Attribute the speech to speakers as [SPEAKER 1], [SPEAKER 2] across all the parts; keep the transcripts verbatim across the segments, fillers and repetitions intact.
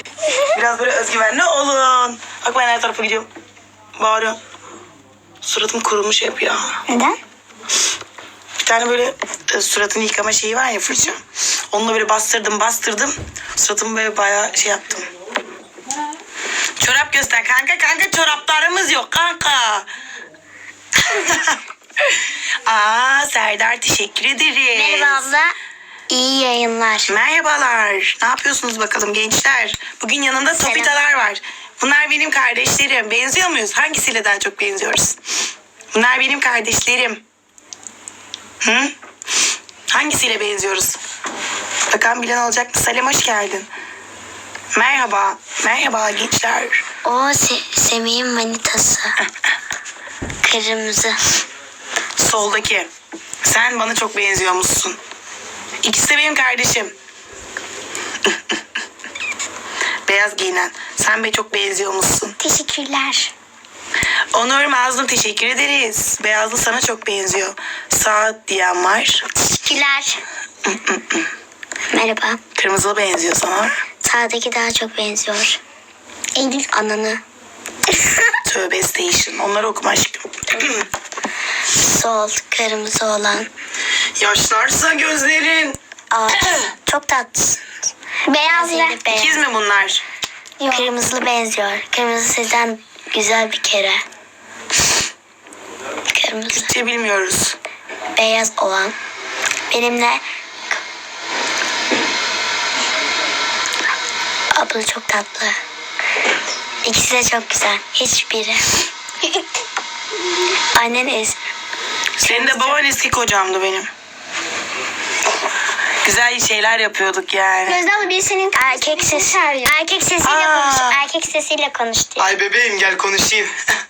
[SPEAKER 1] Biraz böyle özgüvenli olun. Bak ben her tarafa gidiyorum. Bağırıyorum. Suratım kurumuş hep ya.
[SPEAKER 2] Neden?
[SPEAKER 1] Bir tane böyle e, suratını yıkama şeyi var ya, fırça. Onunla böyle bastırdım bastırdım. Suratımı böyle bayağı şey yaptım. Çorap göster kanka kanka, çoraplarımız yok kanka. Aa Serdar, teşekkür ederiz.
[SPEAKER 2] Merhaba abla. İyi yayınlar.
[SPEAKER 1] Merhabalar. Ne yapıyorsunuz bakalım gençler? Bugün yanında Sopitalar var. Bunlar benim kardeşlerim. Benziyor muyuz? Hangisiyle daha çok benziyoruz? Bunlar benim kardeşlerim. Hı? Hangisiyle benziyoruz? Bakalım bilen olacak mı? Salim hoş geldin. Merhaba. Merhaba gençler.
[SPEAKER 2] O Se- Semih'in manitası. Kırmızı.
[SPEAKER 1] Soldaki. Sen bana çok benziyormuşsun. İkisi de benim kardeşim. Beyaz giyinen. Sen be çok benziyormuşsun.
[SPEAKER 2] Teşekkürler.
[SPEAKER 1] Onur Mazlum, teşekkür ederiz. Beyazlı sana çok benziyor. Saat diyen var.
[SPEAKER 2] Teşekkürler. Merhaba.
[SPEAKER 1] Kırmızılı benziyor sana.
[SPEAKER 2] Sağdaki daha çok benziyor. Eylül ananı.
[SPEAKER 1] Tövbe station. Onları okuma aşkım.
[SPEAKER 2] Sol kırmızı olan.
[SPEAKER 1] Yaşlarsa gözlerin.
[SPEAKER 2] Aa, çok tatlısın. Beyaz ile
[SPEAKER 1] İkiz mi bunlar?
[SPEAKER 2] Yok. Kırmızılı benziyor. Kırmızı sizden güzel bir kere. Kırmızı.
[SPEAKER 1] Türkçe bilmiyoruz.
[SPEAKER 2] Beyaz olan. Benimle abla çok tatlı. İkisi de çok güzel. Hiçbiri. Annen es.
[SPEAKER 1] Senin de baban eski kocamdı benim. Güzel şeyler yapıyorduk yani.
[SPEAKER 2] Gözde abla birisinin erkek sesi. Erkek sesiyle
[SPEAKER 1] Aa.
[SPEAKER 2] konuş. Erkek sesiyle konuş diyor.
[SPEAKER 1] Ay bebeğim gel konuşayım.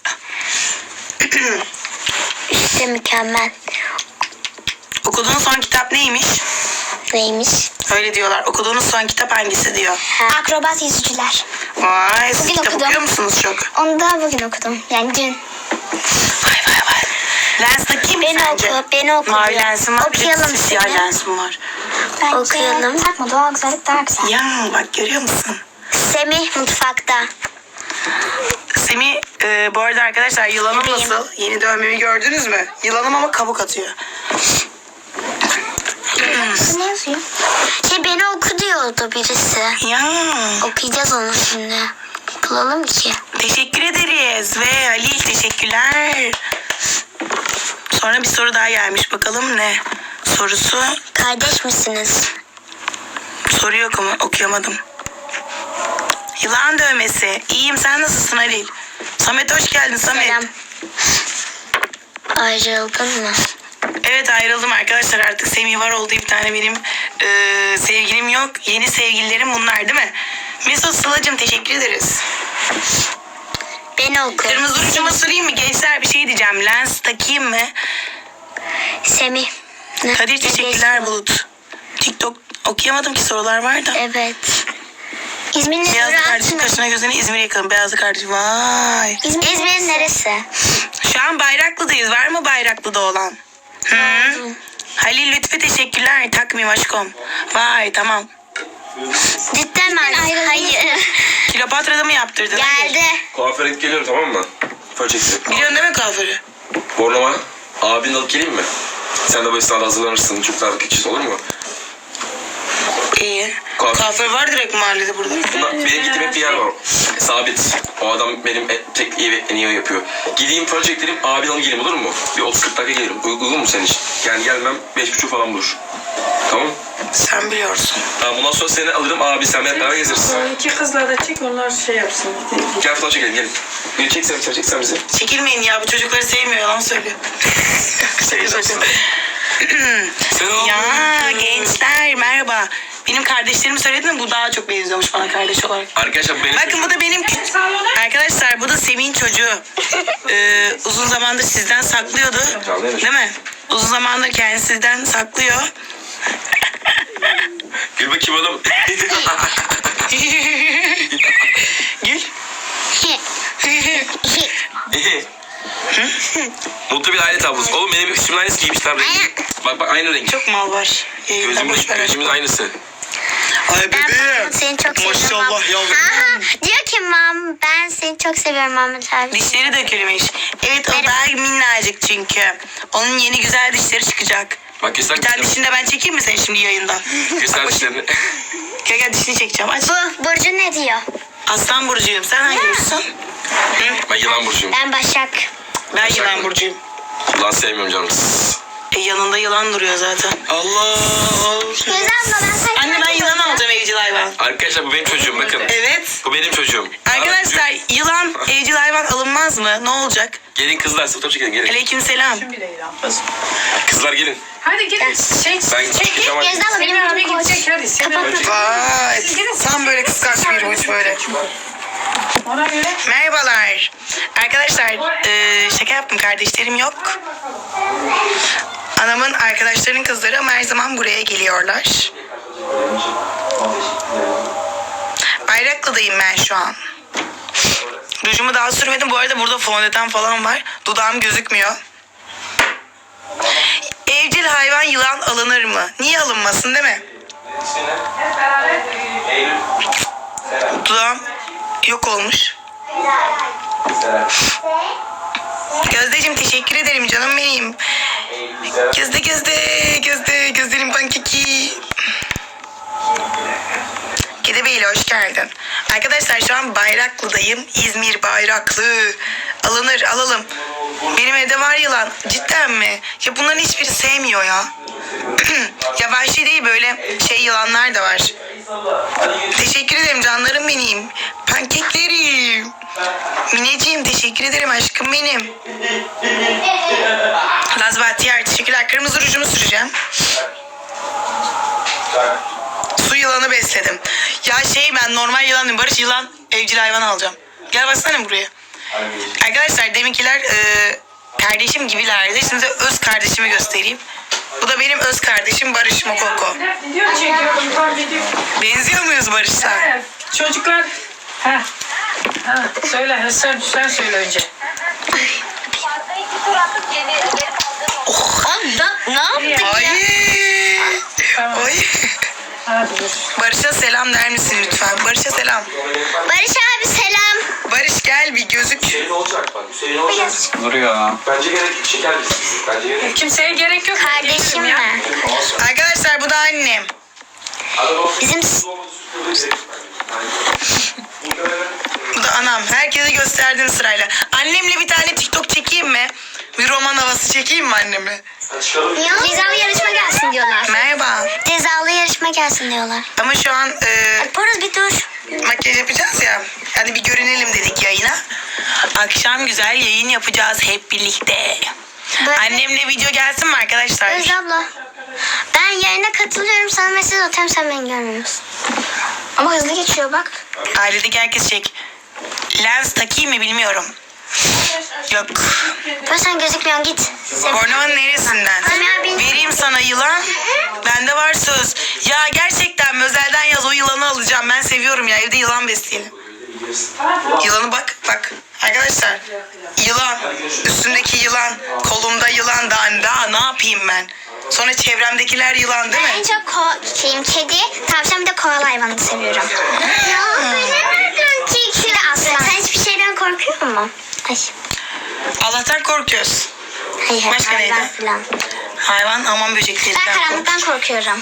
[SPEAKER 2] İşte mükemmel.
[SPEAKER 1] Okuduğun son kitap neymiş?
[SPEAKER 2] Neymiş?
[SPEAKER 1] Öyle diyorlar. Okuduğunuz son kitap hangisi diyor.
[SPEAKER 2] Ha. Akrobat yüzücüler.
[SPEAKER 1] Vay, siz
[SPEAKER 2] Bugün
[SPEAKER 1] kitap
[SPEAKER 2] okudum.
[SPEAKER 1] okuyor musunuz çok?
[SPEAKER 2] Onu da bugün okudum. Yani dün.
[SPEAKER 1] Vay vay vay. Lens takayım mı
[SPEAKER 2] Beni
[SPEAKER 1] sence?
[SPEAKER 2] oku, beni oku
[SPEAKER 1] Mavi
[SPEAKER 2] diyor.
[SPEAKER 1] lensim var.
[SPEAKER 2] Okuyalım
[SPEAKER 1] bir de siyah
[SPEAKER 2] seni.
[SPEAKER 1] lensim var.
[SPEAKER 2] Bence okuyalım.
[SPEAKER 3] Takma, doğal güzellik daha güzel.
[SPEAKER 1] Ya bak görüyor musun?
[SPEAKER 2] Semih mutfakta.
[SPEAKER 1] Semih e, bu arada arkadaşlar yılanım
[SPEAKER 2] Bebeğim.
[SPEAKER 1] nasıl? Yeni dövmemi gördünüz mü? Yılanım ama kabuk atıyor.
[SPEAKER 2] Ne yazıyor? Şey beni oku diyordu birisi.
[SPEAKER 1] Ya
[SPEAKER 2] Okuyacağız onu şimdi. Bulalım ki.
[SPEAKER 1] teşekkür ederiz ve Halil teşekkürler. Sonra bir soru daha gelmiş, bakalım ne sorusu?
[SPEAKER 2] Kardeş misiniz?
[SPEAKER 1] Soru yok ama okuyamadım. Yılan dövmesi. İyiyim, sen nasılsın Halil? Samet hoş geldin Samet.
[SPEAKER 2] Selam. Ayrıldın mı?
[SPEAKER 1] Evet ayrıldım arkadaşlar, artık Semih var oldu, bir tane benim e, sevgilim yok. Yeni sevgililerim bunlar değil mi? Mesut Sıla'cığım teşekkür ederiz.
[SPEAKER 2] Beni oku.
[SPEAKER 1] Kırmızı uçuma sorayım mı gençler, bir şey diyeceğim. Lens takayım mı?
[SPEAKER 2] Semih. Ne-
[SPEAKER 1] Kadir
[SPEAKER 2] ne
[SPEAKER 1] teşekkürler
[SPEAKER 2] diyorsun?
[SPEAKER 1] Bulut. TikTok okuyamadım ki, sorular var da.
[SPEAKER 2] Evet. İzmir'in
[SPEAKER 1] Beyazlı kardeşin
[SPEAKER 2] neresi?
[SPEAKER 1] kaşına gözüne İzmir'e yakın. Beyazlı kardeş vay.
[SPEAKER 2] İzmir, İzmir'in neresi?
[SPEAKER 1] Şu an Bayraklı'dayız. Var mı Bayraklı'da olan? Hı? Halil Lütfi teşekkürler. Takmayayım aşkım. Vay tamam.
[SPEAKER 2] Cidden mi? Hayır.
[SPEAKER 1] Kilopatra'da mı yaptırdın?
[SPEAKER 2] Geldi.
[SPEAKER 4] Kuaföre gidip geliyorum, tamam mı? Fön çekti.
[SPEAKER 1] Biliyorsun değil mi kuaförü?
[SPEAKER 4] Bornova. Abini alıp geleyim mi? Sen de bu esnada hazırlanırsın. Çok daha küçük olur mu?
[SPEAKER 1] İyi.
[SPEAKER 4] Kuaför.
[SPEAKER 1] Kuaför var direkt mahallede burada.
[SPEAKER 4] Bunlar, benim gittiğim hep bir yer var. Sabit. O adam benim en- tek iyi en iyi o yapıyor. Gideyim fön çektireyim, abini alıp geleyim olur mu? Bir otuz kırk dakika gelirim. Uy- Uygun mu senin için? Yani gelmem beş buçuk falan bulur. Tamam.
[SPEAKER 1] Sen biliyorsun.
[SPEAKER 4] Tamam, bundan sonra seni alırım, abi sen benimle beraber gezeriz.
[SPEAKER 5] İki kızla da çek, onlar şey yapsın.
[SPEAKER 4] Gel fotoğraf çekelim, gelin. Bir çeksen, sen çeksen bizi.
[SPEAKER 1] Çekilmeyin ya, bu çocukları sevmiyor, yalan söylüyor. Şaka şaka.
[SPEAKER 4] Sen al.
[SPEAKER 1] Ya gençler merhaba. Benim kardeşlerimi söyledim mi? Bu daha çok benziyormuş bana kardeş olarak.
[SPEAKER 4] Arkadaşlar benim...
[SPEAKER 1] Bakın bu da benim küçük... Arkadaşlar bu da Semih'in çocuğu. Ee, uzun zamandır sizden saklıyordu. Değil mi? Uzun zamandır kendisi sizden saklıyor.
[SPEAKER 4] Gül bakayım oğlum.
[SPEAKER 1] Gül.
[SPEAKER 4] Mutlu bir aile tablosu. Oğlum benim üstümün aynısı giymişler. Bak bak aynı renk.
[SPEAKER 1] Çok mal var. Yayında boş
[SPEAKER 4] Gözümüz,
[SPEAKER 1] ver.
[SPEAKER 4] gözümüz aynısı.
[SPEAKER 1] Ay
[SPEAKER 2] Ben seni çok seviyorum.
[SPEAKER 1] Maşallah yavrum.
[SPEAKER 2] Ha? çok seviyorum Mahmut abi.
[SPEAKER 1] Dişleri dökülmüş. Evet o
[SPEAKER 2] Merhaba.
[SPEAKER 1] daha minnacık çünkü. Onun yeni güzel dişleri çıkacak.
[SPEAKER 4] Bak göster
[SPEAKER 1] Bir tane
[SPEAKER 4] dişlerini.
[SPEAKER 1] dişini de ben çekeyim mi sen şimdi yayında?
[SPEAKER 4] Göster dişlerini.
[SPEAKER 1] Gel gel dişini çekeceğim. Aç.
[SPEAKER 2] Bu Burcu ne diyor?
[SPEAKER 1] Aslan burcuyum. Sen hangi burcusun? Hı?
[SPEAKER 4] Ben yılan burcuyum.
[SPEAKER 2] Ben Başak.
[SPEAKER 1] Ben yılan burcuyum.
[SPEAKER 4] Yılan sevmiyorum canım.
[SPEAKER 1] E, yanında yılan duruyor zaten.
[SPEAKER 4] Allah.
[SPEAKER 2] Gözde abla ben sen.
[SPEAKER 1] Anne ben yılan alacağım evcil hayvan.
[SPEAKER 4] Arkadaşlar bu benim çocuğum bakın.
[SPEAKER 1] Evet.
[SPEAKER 4] Bu benim çocuğum.
[SPEAKER 1] Arkadaşlar yılan evcil hayvan alınmaz mı? Ne olacak?
[SPEAKER 4] Gelin kızlar fotoğraf çekelim gelin.
[SPEAKER 1] Aleykümselam.
[SPEAKER 5] Şimdi bile İlhan kız.
[SPEAKER 4] Kızlar gelin.
[SPEAKER 5] Hadi gelin. Çek.
[SPEAKER 4] Ben çıkacağım
[SPEAKER 2] Gözde
[SPEAKER 4] artık.
[SPEAKER 2] abla benim
[SPEAKER 5] Semih abi
[SPEAKER 2] adım Koç.
[SPEAKER 5] gidecek hadi. Semih abi.
[SPEAKER 4] Önce-
[SPEAKER 1] Vay. Tam böyle kıskanç bir uç böyle.
[SPEAKER 5] Ona göre.
[SPEAKER 1] Merhabalar. Arkadaşlar e, şaka yaptım, kardeşlerim yok. Anamın arkadaşlarının kızları ama her zaman buraya geliyorlar. Bayraklı'dayım ben şu an. Rujumu daha sürmedim. Bu arada burada fondöten falan var. Dudağım gözükmüyor. Evcil hayvan yılan alınır mı? Niye alınmasın değil mi? Dudağım yok olmuş. Gözdeciğim teşekkür ederim canım benim. Gözde gözde gözde gözlerim pankeki. Kedebeyli hoş geldin. Arkadaşlar şu an Bayraklı'dayım. İzmir Bayraklı. Alınır alalım. Benim evde var yılan. Cidden mi? Ya bunların hiçbiri sevmiyor ya. Ya vahşi değil böyle şey yılanlar da var. Teşekkür ederim canlarım benim. Pankeklerim. Mineciğim teşekkür ederim aşkım benim. Laz Bahtiyar teşekkürler. Kırmızı rujumu süreceğim. Su yılanı besledim. Ya şey ben normal yılan değil, Barış yılan evcil hayvan alacağım. Gel baksana buraya. Arkadaşlar deminkiler e, kardeşim gibilerdi. Şimdi size öz kardeşimi göstereyim. Bu da benim öz kardeşim Barış Mokoko.
[SPEAKER 5] Video çekiyorum. Fark ediyor.
[SPEAKER 1] Benziyor muyuz Barış'la?
[SPEAKER 5] Evet, çocuklar. Ha. Ha. Söyle sen, sen söyle önce.
[SPEAKER 2] Oh, ne yaptın
[SPEAKER 1] Ay.
[SPEAKER 2] ya?
[SPEAKER 5] Tamam.
[SPEAKER 1] Ay.
[SPEAKER 5] Hadi dur.
[SPEAKER 1] Barış'a selam der misin lütfen? Barış'a selam.
[SPEAKER 2] Barış abi selam.
[SPEAKER 1] Barış gel bir gözük.
[SPEAKER 4] Hüseyin olacak bak. Hüseyin olacak.
[SPEAKER 3] Dur ya.
[SPEAKER 4] Bence gerek şeker biz. Bence gerek.
[SPEAKER 5] Kimseye gerek yok.
[SPEAKER 2] Kardeşim
[SPEAKER 5] Gelirim ya.
[SPEAKER 2] mi?
[SPEAKER 1] Arkadaşlar bu da annem.
[SPEAKER 2] Bizim
[SPEAKER 1] Bu da anam. Herkese gösterdim sırayla. Annemle bir tane TikTok çekeyim mi? Bir roman havası çekeyim mi anneme?
[SPEAKER 2] cezalı yarışma gelsin diyorlar.
[SPEAKER 1] Merhaba.
[SPEAKER 2] Cezalı yarışma gelsin diyorlar.
[SPEAKER 1] Ama şu an e,
[SPEAKER 2] Poruz bir dur.
[SPEAKER 1] makyaj yapacağız ya. Hadi bir görünelim dedik yayına. Akşam güzel yayın yapacağız hep birlikte.
[SPEAKER 2] Böyle-
[SPEAKER 1] Annemle video gelsin mi arkadaşlar?
[SPEAKER 2] Özde abla. Ben yayına katılıyorum. Sana mesaj atıyorum. Sen beni görmüyorsun. Ama hızlı geçiyor bak.
[SPEAKER 1] Ailedeki herkes çek. Lens takayım mı bilmiyorum. Yok.
[SPEAKER 2] Böyle sen gözükmüyorsun git.
[SPEAKER 1] Bornova'nın neresinden?
[SPEAKER 2] Semih abi.
[SPEAKER 1] Vereyim sana yılan. Bende var söz. Ya gerçekten mi? Özelden yaz o yılanı alacağım. Ben seviyorum ya. Evde yılan besleyelim. Yılanı bak bak. Arkadaşlar. Yılan. Üstündeki yılan. Kolumda yılan. Daha, daha ne yapayım ben? Sonra çevremdekiler yılan değil
[SPEAKER 2] Ben en
[SPEAKER 1] mi?
[SPEAKER 2] çok ko- şeyim kedi, tavşan bir de koala hayvanı seviyorum. Ya nereden çekti? Bir de aslan. Sen hiçbir şeyden korkuyor musun? Ay.
[SPEAKER 1] Allah'tan korkuyoruz.
[SPEAKER 2] Hayır,
[SPEAKER 1] Başka
[SPEAKER 2] hayvan
[SPEAKER 1] neydi?
[SPEAKER 2] falan.
[SPEAKER 1] Hayvan aman
[SPEAKER 2] Ben
[SPEAKER 1] böceklerinden kork.
[SPEAKER 2] karanlıktan korkuyorum.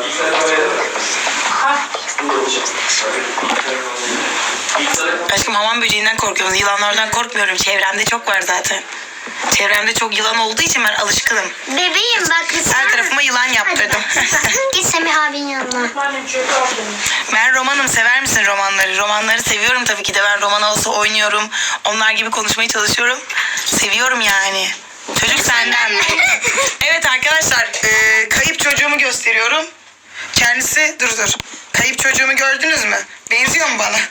[SPEAKER 1] Aşkım hamam böceğinden korkuyorum. Yılanlardan korkmuyorum. Çevremde çok var zaten. Çevremde çok yılan olduğu için ben alışkınım.
[SPEAKER 2] Bebeğim bak.
[SPEAKER 1] Her tarafıma yılan yaptırdım.
[SPEAKER 2] Git Semih abinin yanına.
[SPEAKER 5] Annem çöpe aldım.
[SPEAKER 1] Ben romanım. Sever misin romanları? Romanları seviyorum tabii ki de. Ben roman havası oynuyorum. Onlar gibi konuşmaya çalışıyorum. Seviyorum yani. Çocuk senden mi? Evet arkadaşlar. e, kayıp çocuğumu gösteriyorum. Kendisi dur dur. Kayıp çocuğumu gördünüz mü? Benziyor mu bana?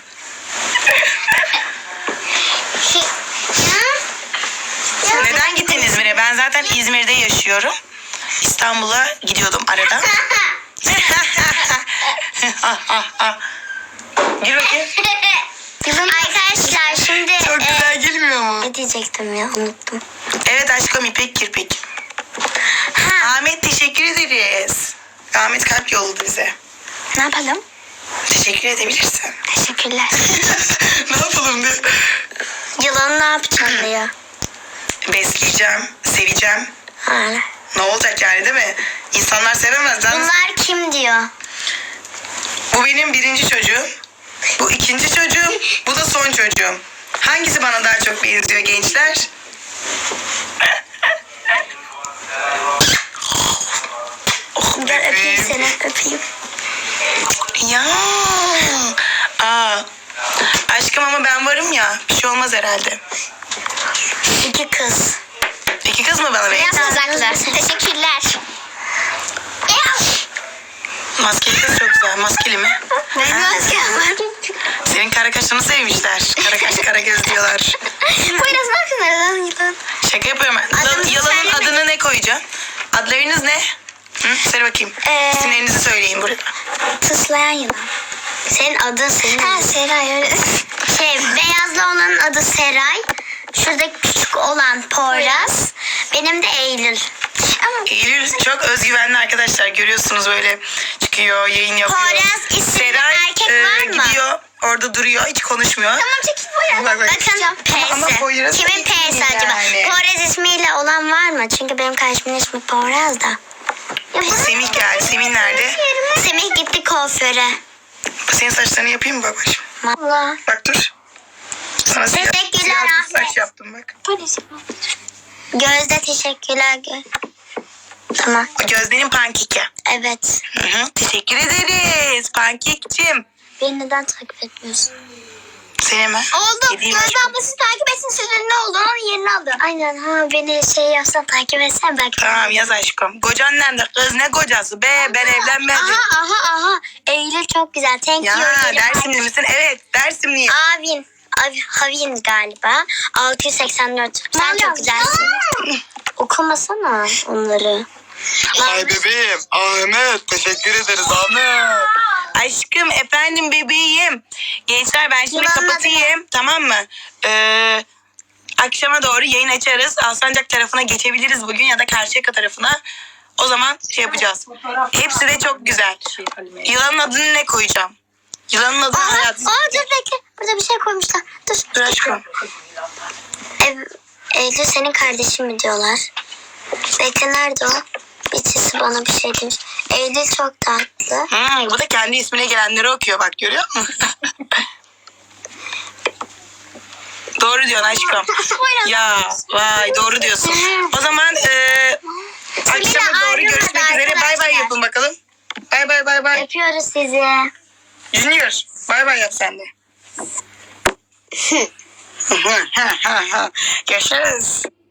[SPEAKER 1] Neden gittin İzmir'e? Ben zaten İzmir'de yaşıyorum. İstanbul'a gidiyordum arada. Gir bakayım.
[SPEAKER 2] Arkadaşlar şimdi
[SPEAKER 1] Çok
[SPEAKER 2] e,
[SPEAKER 1] güzel gelmiyor mu?
[SPEAKER 2] ne diyecektim ya unuttum.
[SPEAKER 1] Evet aşkım İpek Kirpik.
[SPEAKER 2] Ha,
[SPEAKER 1] Ahmet teşekkür ederiz. Ahmet kalp yolladı bize.
[SPEAKER 2] ne yapalım?
[SPEAKER 1] Teşekkür edebilirsin.
[SPEAKER 2] Teşekkürler.
[SPEAKER 1] Ne yapalım diye.
[SPEAKER 2] Yılanı ne yapacaksın diyor.
[SPEAKER 1] Besleyeceğim, seveceğim.
[SPEAKER 2] Öyle.
[SPEAKER 1] Ne olacak yani değil mi? İnsanlar sevemez lan.
[SPEAKER 2] Bunlar kim diyor?
[SPEAKER 1] Bu benim birinci çocuğum. Bu ikinci çocuğum. Bu da son çocuğum. Hangisi bana daha çok benziyor gençler? Oh,
[SPEAKER 2] Gel öpeyim
[SPEAKER 1] bebeğim.
[SPEAKER 2] seni, öpeyim.
[SPEAKER 1] Ya. Aa. Aşkım ama ben varım ya. Bir şey olmaz herhalde.
[SPEAKER 2] İki kız.
[SPEAKER 1] İki kız mı bana
[SPEAKER 2] Biraz
[SPEAKER 1] benziyor?
[SPEAKER 2] uzaklar. Teşekkürler.
[SPEAKER 1] Maskeli kız çok güzel. Maskeli mi?
[SPEAKER 2] Benim
[SPEAKER 1] Ha?
[SPEAKER 2] maskem var.
[SPEAKER 1] Senin kara kaşını sevmişler. Kara kaş kara göz diyorlar.
[SPEAKER 2] Poyraz ne yapıyorsun aradan yılan?
[SPEAKER 1] Şaka yapıyorum ben.
[SPEAKER 2] Adını
[SPEAKER 1] Yılanın
[SPEAKER 2] söyleme.
[SPEAKER 1] adını ne koyacaksın? Adlarınız ne? Hı? Söyle bakayım.
[SPEAKER 2] Ee,
[SPEAKER 1] İsimlerinizi söyleyin burada.
[SPEAKER 2] Tıslayan yılan. Senin adın senin. Ha Seray öyle. Şey beyazlı olanın adı Seray. Şuradaki küçük olan Poyraz. Benim de Eylül. Ama
[SPEAKER 1] Eylül çok özgüvenli arkadaşlar. Görüyorsunuz böyle çıkıyor, yayın yapıyor.
[SPEAKER 2] Poyraz isimli
[SPEAKER 1] Seray
[SPEAKER 2] erkek
[SPEAKER 1] e,
[SPEAKER 2] var mı?
[SPEAKER 1] gidiyor. Orada duruyor. Hiç konuşmuyor.
[SPEAKER 2] Tamam çekil Poyraz.
[SPEAKER 1] Bak, bak.
[SPEAKER 2] Bakın
[SPEAKER 1] Ama
[SPEAKER 2] P'si.
[SPEAKER 1] Poyraz
[SPEAKER 2] Kimin
[SPEAKER 1] ismi
[SPEAKER 2] P'si acaba?
[SPEAKER 1] yani.
[SPEAKER 2] Poyraz ismiyle olan var mı? Çünkü benim kardeşimin ismi Poyraz da.
[SPEAKER 1] Semih geldi. Semih nerede?
[SPEAKER 2] Semih gitti kuaföre.
[SPEAKER 1] Senin saçlarını yapayım mı babacığım?
[SPEAKER 2] Valla.
[SPEAKER 1] Bak dur. Sana siyah,
[SPEAKER 2] Teşekkürler
[SPEAKER 1] siyah bir
[SPEAKER 2] Ahmet.
[SPEAKER 1] saç yaptım bak.
[SPEAKER 2] Gözde teşekkürler. Gö tamam.
[SPEAKER 1] O Gözde'nin pankeki.
[SPEAKER 2] Evet.
[SPEAKER 1] Hı hı. Teşekkür ederiz pankekçim.
[SPEAKER 2] Beni neden takip etmiyorsun?
[SPEAKER 1] Seni mi?
[SPEAKER 2] Oldu.
[SPEAKER 1] Yediğim
[SPEAKER 2] Gözde
[SPEAKER 1] aşkım.
[SPEAKER 2] ablası takip etsin. Sizin ne oldu? Onun yerini aldı. Aynen ha beni şey yapsan takip etsen belki.
[SPEAKER 1] Tamam yaz aşkım. Kocan nerede? Kız ne kocası be? Ben evlenmedim.
[SPEAKER 2] Aha aha aha. Eylül çok güzel. Thank
[SPEAKER 1] Ya
[SPEAKER 2] you. Eylül.
[SPEAKER 1] Dersimli misin? Evet Dersimliyim.
[SPEAKER 2] Avin. Av, Havin galiba. altı yüz seksen dört. Sen çok güzelsin. Okumasana onları.
[SPEAKER 3] Ay bebeğim Ahmet teşekkür ederiz Ahmet.
[SPEAKER 1] Aşkım efendim bebeğim. Gençler ben şimdi
[SPEAKER 2] Yılanın
[SPEAKER 1] kapatayım. Tamam mı? Ee, akşama doğru yayın açarız. Alsancak tarafına geçebiliriz bugün ya da Karşıyaka tarafına. O zaman şey yapacağız. Hepsi de çok güzel. Yılanın adını ne koyacağım? Yılanın adını
[SPEAKER 2] Aa,
[SPEAKER 1] hayat.
[SPEAKER 2] aa dur bekle. Burada bir şey koymuşlar. Dur.
[SPEAKER 1] Dur aşkım.
[SPEAKER 2] Ev, Eylül senin kardeşin mi diyorlar? Bekle nerede o? Birisi bana bir şey demiş. Eylül çok tatlı.
[SPEAKER 1] Hmm, bu da kendi ismine gelenleri okuyor bak görüyor musun? Doğru diyorsun aşkım. Ya vay doğru diyorsun. O zaman e, akşama doğru
[SPEAKER 2] ayrılmadı
[SPEAKER 1] görüşmek üzere. Bay bay
[SPEAKER 2] arkadaşlar.
[SPEAKER 1] yapın bakalım. Bay bay bay bay.
[SPEAKER 2] Öpüyoruz sizi.
[SPEAKER 1] Junior bay bay yap sen de. Görüşürüz.